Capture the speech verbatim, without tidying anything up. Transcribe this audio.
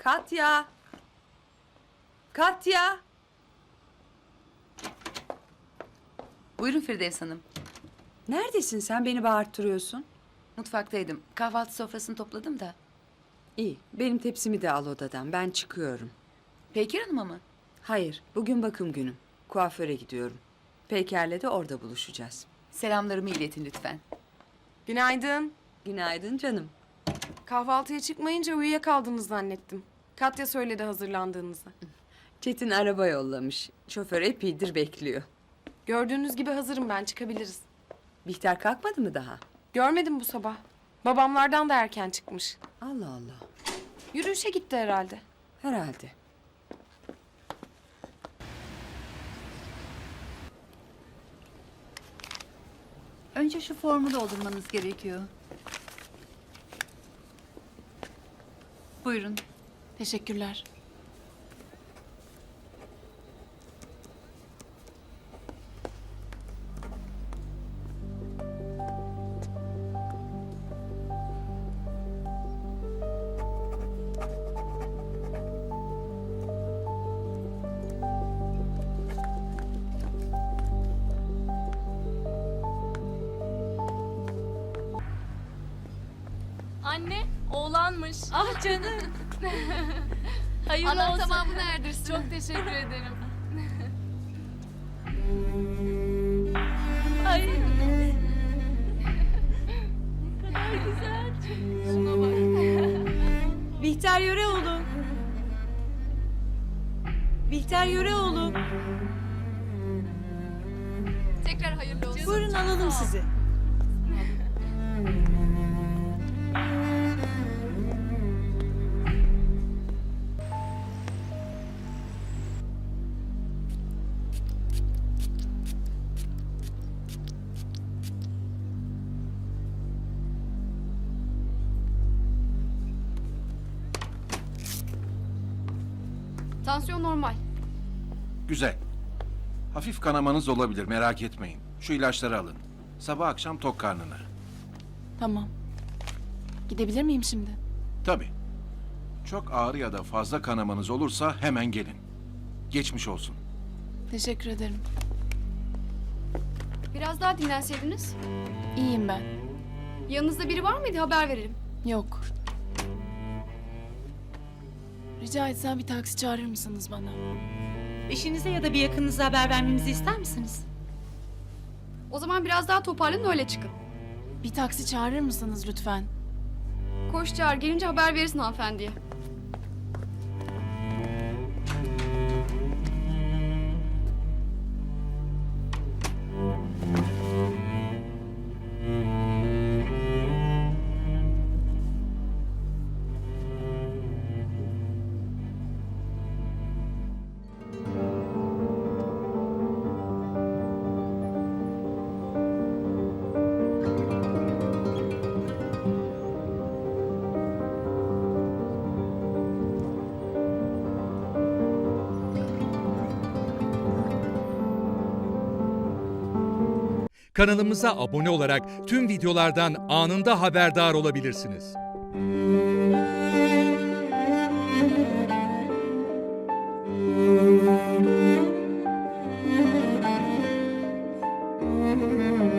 Katya! Katya! Buyurun Firdevs Hanım. Neredesin sen? Beni bağırttırıyorsun. Mutfaktaydım. Kahvaltı sofrasını topladım da. İyi, benim tepsimi de al odadan. Ben çıkıyorum. Peykir Hanım'a mı? Hayır, bugün bakım günüm. Kuaföre gidiyorum. Peyker'le de orada buluşacağız. Selamlarımı iletin lütfen. Günaydın. Günaydın canım. Kahvaltıya çıkmayınca uyuyakaldınız zannettim. Katya söyledi hazırlandığınızı. Çetin araba yollamış. Şoför epeydir bekliyor. Gördüğünüz gibi hazırım ben, çıkabiliriz. Bihter kalkmadı mı daha? Görmedim bu sabah. Babamlardan da erken çıkmış. Allah Allah. Yürüyüşe gitti herhalde. Herhalde. Önce şu formu doldurmanız gerekiyor. Buyurun. Teşekkürler. Anne, oğlanmış. Ah canım. Hayırlı Allah olsun. tamamını erdirsin. Çok teşekkür ederim. Ay. Ne kadar güzel. Şuna bak. Bihter Yöreoğlu. Bihter Yöreoğlu. Tekrar hayırlı olsun. Buyurun alalım sizi. Tansiyon normal. Güzel. Hafif kanamanız olabilir, merak etmeyin. Şu ilaçları alın. Sabah akşam tok karnına. Tamam. Gidebilir miyim şimdi? Tabii. Çok ağır ya da fazla kanamanız olursa hemen gelin. Geçmiş olsun. Teşekkür ederim. Biraz daha dinlenseydiniz. İyiyim ben. Yanınızda biri var mıydı? Haber verelim. Yok. Rica etsem bir taksi çağırır mısınız bana? Eşinize ya da bir yakınınıza haber vermemizi ister misiniz? O zaman biraz daha toparlanın, öyle çıkın. Bir taksi çağırır mısınız lütfen? Koş çağır, gelince haber verirsin hanımefendiye. Kanalımıza abone olarak tüm videolardan anında haberdar olabilirsiniz. Müzik